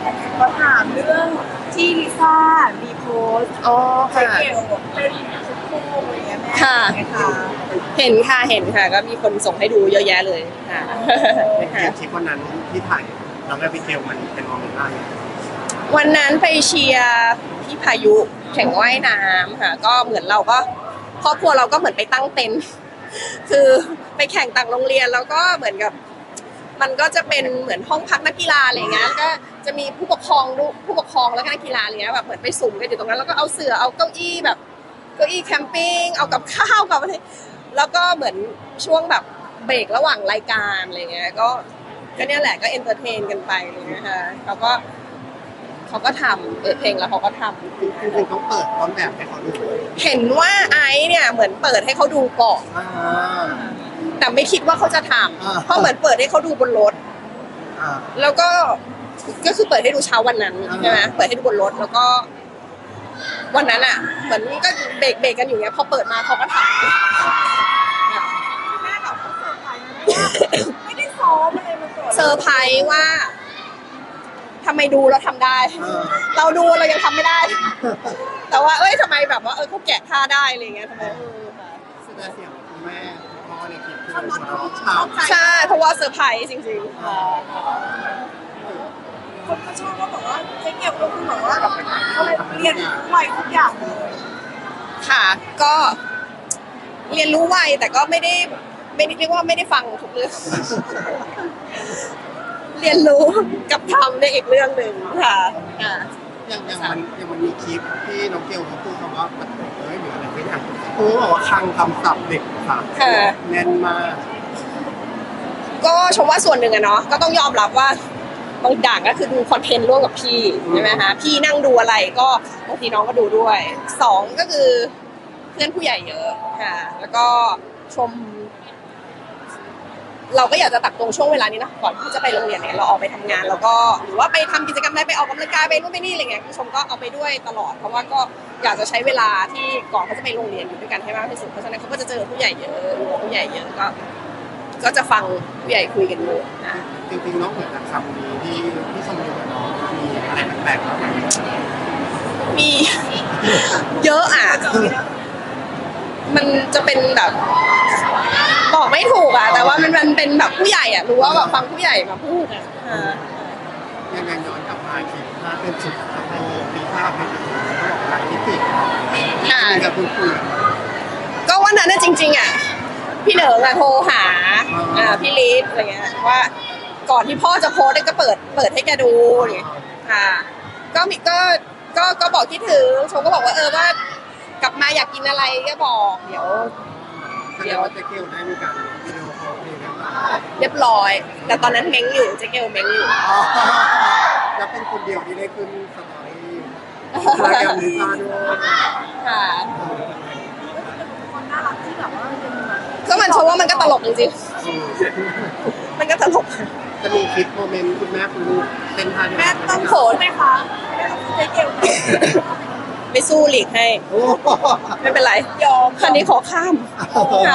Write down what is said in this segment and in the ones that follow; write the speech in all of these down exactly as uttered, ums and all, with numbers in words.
มาถามเรื่องที่ลิซ่ารีโพสต์อ๋อเจ๊ค่ะเกี่ยวเต้นชุดคู่อะไรเงี้ยแม่ค่ะเห็นไหมคะเห็นค่ะเห็นค่ะก็มีคนส่งให้ดูเยอะแยะเลยค่ะเกมชิปวันนั้นที่ถ่ายน้องแอบิเกลมันเป็นโมเมนต์อะไรวันนั้นไปเชียร์พี่พายุแข่งว่ายน้ำค่ะก็เหมือนเราก็ครอบครัวเราก็เหมือนไปตั้งเต็นท์คือไปแข่งต่างโรงเรียนแล้วก็เหมือนกับมันก็จะเป็นเหมือนห้องพักนักกีฬาอะไรเงี้ยแล้วก็จะมีผู้ปกครองดูผู้ปกครองแล้วก็นักกีฬาอะไรเงี้ยแบบเหมือนไปสุ่มกันอยู่ตรงนั้นแล้วก็เอาเสื่อเอาเก้าอี้แบบเก้าอี้แคมปิ้งเอากับข้าวกับอะไรแล้วก็เหมือนช่วงแบบเบรกระหว่างรายการอะไรเงี้ยก็ก็เนี่ยแหละก็เอนเตอร์เทนกันไปเลยนะคะเขาก็เขาก็ทำเปิดเพลงแล้วเขาก็ทำจริงๆต้องเปิดต้นแบบให้เขาดูเห็นว่าไอซ์เนี่ยเหมือนเปิดให้เขาดูก่อนอ่าแต่ไม่คิดว่าเขาจะทอ่าำเพราะเหมือนเปิดให้เขาดูบนรถอ่าแล้วก็ก็คือเปิดให้ดูเช้าวันนั้นอ่าใช่ไหมเปิดให้ดูบนรถแล้วก็ วันนั้นอ่ะ เหมือนก็เบรกเบรกกันอยู่เนี้ยพอเปิดมาเขาก็ทำแม่แบบเขาเซอร์ไพรส์นะว่าไม่ได้ซ้อมอะไรมาก่อนเซอร์ไพรส์ว่าทำไมดูแล้วทำได้เออเราดูเรายังทำไม่ได้ แต่ว่าเอ้ยทำไมแบบว่าเออเขาแกะท่าได้อะไรเงี้ยทำไมเออค่ะแสดงเสียงคุณแม่พ่อในคลิปคือเขามันน้องฉ่เขาใจใช่เพราะว่าเซอร์ไพรส์จริงๆค่ะคนก็ชอบว่าบอกว่าเจ๊เกี่ยวก็คือแบบว่าเขาเลยเรียนไวทุกอย่างเลยค่ะก็เรียนรู้ไวแต่ก็ไม่ได้ไม่ได้เรียกว่าไม่ได้ฟังทุกเรื่อง เรียนรู้กับทำในอีกเรื่องหนึ่งค่ะอ่าำอย่างอย่างมันอย่างมันมีคลิปที่น้องเกลเขาพูดคำว่าปัดเอ้ยหรืออะไรไม่อย่างคือบอกว่าคลังคำศัพท์เด็กค่ะแน่นมากก็ชมว่าส่วนหนึ่งอะเนาะก็ต้องยอมรับว่าบางอย่างก็คือดูคอนเทนต์ร่วมกับพี่ใช่ไหมคะพี่นั่งดูอะไรก็บางทีน้องก็ดูด้วยสองก็คือเพื่อนผู้ใหญ่เยอะค่ะแล้วก็ชม เราก็อยากจะตักตรงช่วงเวลานี้นะก่อนที่จะไปโรงเรียนเนี่ยเราออกไปทำงานแล้วก็หรือว่าไปทำกิจกรรมอะไรไปออกกำลังกายไปนู่นไปนี่อะไรเงี้ยคุณชมก็เอาไปด้วยตลอดเพราะว่าก็อยากจะใช้เวลาที่ก่อนเขาจะไปโรงเรียนอยู่ด้วยกันให้มากที่สุดเพราะฉะนั้นเขาก็จะเจอผู้ใหญ่เยอะอยู่กับผู้ใหญ่เยอะก็ ก็จะฟังผู้ใหญ่คุยกันอยู่นะจริงๆน้องเหมือนกับคำนี้ที่ที่สมอยู่กับน้องมีอะไรแปลกๆบ้างไหมมีเยอะอ่ะมันจะเป็นแบบบอกไม่ถูกอ่ะแต่ว่ามันมันเป็นแบบผู้ใหญ่อ่ะรู้ว่าแบบฟังผู้ใหญ่มาพูดอ่ะอ่ายังไงย้อนกลับมาคลิปถ้าเป็นสุดสะโพกมีภาพในยูทูบเขาบอกว่าคิดผิดค่ะมีกับคุณคุยก็วันนั้นน่ะจริงๆอ่ะพี่เหนิงอ่ะโทรหาอ่าพี่ลิศอะไรเงี้ยว่าก่อนที่พ่อจะโพสต์ก็เปิดเปิดให้แกดูอะไรเงี้ยค่ะก็มีก็ก็ก็บอกคิดถึงชมก็บอกว่าเออว่ากลับมาอยากกินอะไรก็บอกเดี๋ยวเดี๋ยวจะเกี่ยวได้มีการวิดีโอคอลคุยกันเรียบร้อย แต่ตอนนั้นเม้งอยู่เจ๊เกลเม้งอยู่แล้วเป็นคนเดียวที่ได้ขึ้นสตอรี่รายการลิซ่าด้วยค่ะคนน่ารักที่แบบว่าเป็นแบบก็มันชมว่ามันก็ตลกจริงๆมันก็ตลกจะมีคลิปโมเมนต์คุณแม่คุณลูกเต้นท่าเดียวแม่กันต้องโขนไหมคะแม่ต้องเจ๊เกี่ยวไหมไปสู้หลีกให้โอ้ไม่เป็นไรยอมคันนี้ขอข้ามค่ะ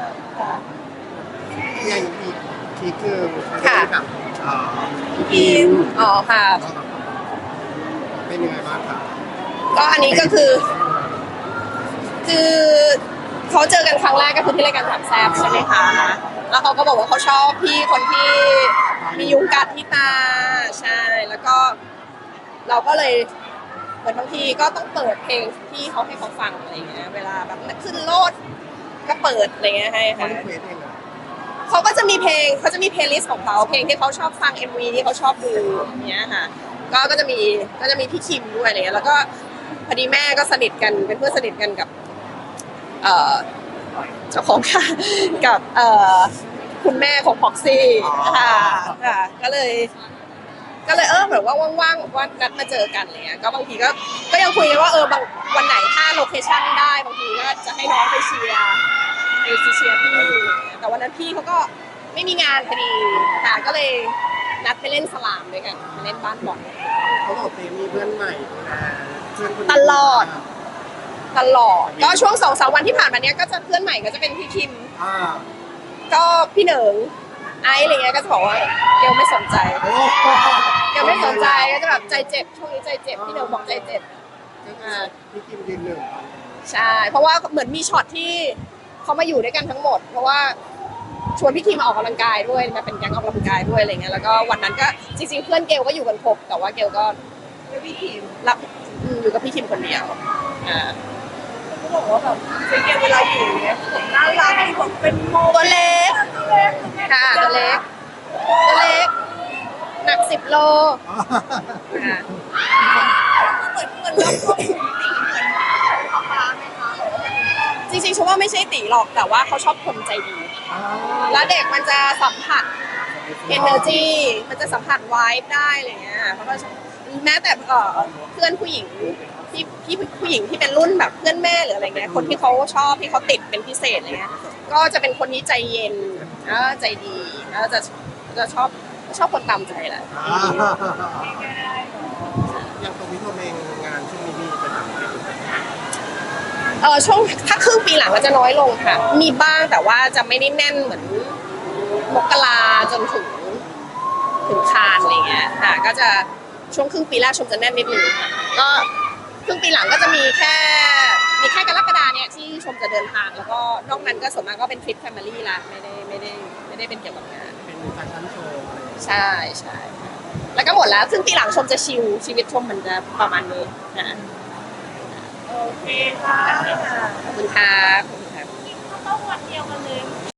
ยังอีกทีคือค่ะกับเอ่อพี่พิมอ๋อค่ะเป็นยังไงบ้างครับก็อันนี้ก็คือ คือเขาเจอกันครั้งแรกก็คือที่รายการสามแซ่บใช่ไหมคะแล้วเขาก็บอกว่าเขาชอบพี่คนที่มียุงกัดที่ตาใช่แล้วก็ เราก็เลยเหมือนบางทีก็ต้องเปิดเพลงที่เขาให้เขาฟังอะไรเงี้ยเวลาแบบขึ้นรถก็เปิดอะไรเงี้ยให้เขาค่ะรีเควสเองเหรอเขาก็จะมีเพลงเขาจะมีเพลย์ลิสต์ของเขาเพลงที่เขาชอบฟัง เอ็ม วี ที่เขาชอบดูอย่างเงี้ยค่ะก็ก็จะมีก็จะมีพี่คิมด้วยอะไรเงี้ยแล้วก็พอดีแม่ก็สนิทกันเป็นเพื่อนสนิทกันกับเอ่อเจ้าของค่ะกับเอ่อคุณแม่ของพ็อกซี่ค่ะค่ะก็เลย ก็เลยเออแบบว่าว่างๆว่านัดมาเจอกันอะไรเงี้ยก็บางทีก็ก็ยังคุยกันว่าเออบางวันไหนถ้าโลเคชั่นได้บางทีก็จะให้น้องไปเชียร์ไปเชียร์พี่แต่วันนั้นพี่เขาก็ไม่มีงานพอดีค่ะก็เลยนัดไปเล่นสลามด้วยกันมาเล่นบ้านบอลเขาบอกเตมีเพื่อนใหม่นะเพื่อนคนตลอด ตลอดก็ช่วงสองสามวันที่ผ่านมาเนี้ยก็จะเพื่อนใหม่ก็จะเป็นพี่คิมอ่าก็พี่เหนิงไอซ์อะไรเงี้ยก็จะบอกว่าเกลไม่สนใจโอ้เกลไม่สนใจก็จะแบบใจเจ็บช่วงนี้ใจเจ็บพี่เนยบอกใจเจ็บอ่าพี่กิมยืนหนึ่งใช่เพราะว่าเหมือนมีช็อตที่เขามาอยู่ด้วยกันทั้งหมด เพราะว่าชวนพี่ทีมาออกกำลังกายด้วยมาเป็นแก๊งออกกำลังกายด้วยอะไรเงี้ยแล้วก็วันนั้นก็จริงๆเพื่อนเกลก็อยู่กันครบแต่ว่าเกลก็แล้วพี่ทีมรับอืมอยู่กับพี่ทีมคนเดียวอ่าเขาบอกว่าแบบเจ๊เกียวเวลาอยู่เนี่ยผมน่ารักมีผมเป็นโมตัวเล็กตัวเล็กค่ะตัวเล็กตัวเล็กหนักสิบโลค่ะเหมือนเหมือนเราควบคุมตีเหมือนพ่อค้าไหมคะจริงๆฉันว่าไม่ใช่ตีหรอกแต่ว่าเขาชอบคนใจดี แล้วเด็กมันจะสัมผัส energy มันจะสัมผัส vibe ได้อะไรเงี้ยเพราะว่าแม้แต่เอ่อเพื่อนผู้หญิงที่ที่ผู้หญิงที่เป็นรุ่นแบบเพื่อนแม่หรืออะไรเงี้ยคนที่เขาชอบที่เขาติดเป็นพิเศษอะไรเงี้ยก็จะเป็นคนที่ใจเย็นแล้วใจดีแล้วจะจะชอบชอบคนตามใจแหละอย่างตัวพี่โทเองงานช่วงนี้มีเป็นแบบไหนเออช่วงถ้าครึ่งปีหลังก็จะน้อยลงค่ะ มีบ้างแต่ว่าจะไม่ได้แน่นเหมือนมกราจนถึงถึงคานอะไรเงี้ยค่ะก็จะช่วงครึ่งปีแรกชมจะแน่นนิดนึงค่ะก็ครึ่งปีหลังก็จะมีแค่มีแค่กรกฎาเนี่ยที่ชมจะเดินทางแล้วก็นอกนั้นก็ส่วนมากก็เป็นทริปแฟมิลี่ละไม่ได้ไม่ได้ไม่ได้เป็นเกี่ยวกับงานเป็นแฟชั่นโชว์อะไรอย่างเงี้ยใช่ใช่แล้วก็หมดแล้วครึ่งปีหลังชมจะชิลชีวิตชมมันจะประมาณนี้นะโอเคค่ะขอบคุณค่ะขอบคุณค่ะต้องวันเดียวกันเลย